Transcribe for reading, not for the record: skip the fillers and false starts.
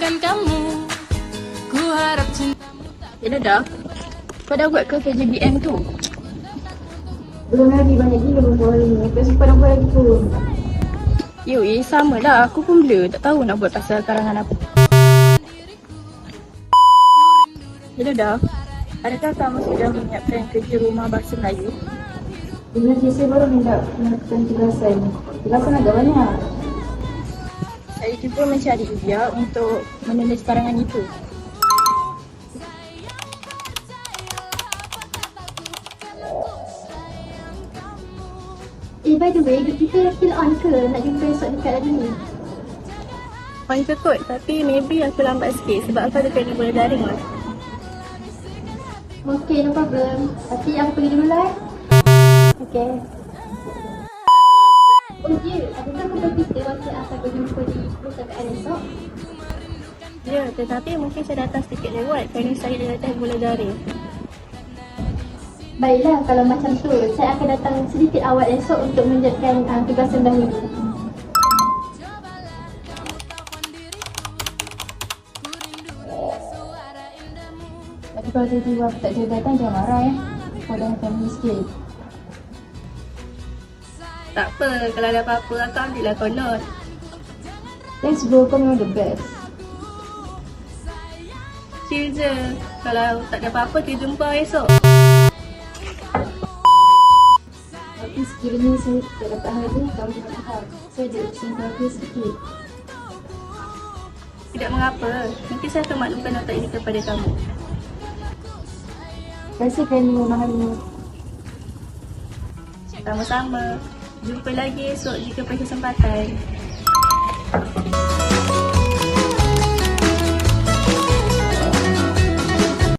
dengan kamu. Ku harap cintamu tak... Yelah dah. Kau dah buat ke KJBM tu? Belum lagi, banyak gila berbual hari ni. Tak sempat nak buat lagi pun. Sama lah. Aku pun blur. Tak tahu nak buat pasal karangan apa. Yelah dah. Adakah kamu sudah menyiapkan kerja rumah bahasa Melayu? Sebenarnya saya baru hendak melakukan tugasan. Tugasan agak banyak. Saya cuba mencari dia untuk menulis karangan itu. By the way, kita still on ke? Nak jumpa esok dekat lagi ni? On ke kot, tapi maybe aku lambat sikit sebab aku ada kena bola daring lah. Okay, no problem. Tapi aku pergi dulu lah. Okay. Oh ya, adakah kau kita waktu akan berjumpa di perpustakaan esok? Ya, tetapi mungkin saya datang sedikit lewat kerana saya dah datang bola daring. Baiklah, kalau macam tu, saya akan datang sedikit awal esok untuk mengerjakan tugasan dahulu. Tapi kalau tiba-tiba aku tak jadi datang, jangan marah ya. Kau dah family sikit. Tak apa, kalau ada apa-apa aku ambil lah kau note. Thanks bro, kau memang the best. Chill je. Kalau tak ada apa-apa, kita jumpa esok. Tapi sekiranya saya tak dapat hadir, kamu jangan faham. Saya ada urusan keluarga sedikit. Tidak mengapa, nanti saya akan maklumkan nota ini kepada kamu. Terima kasih kerana memahami. Sama-sama. Jumpa lagi esok jika berkesempatan.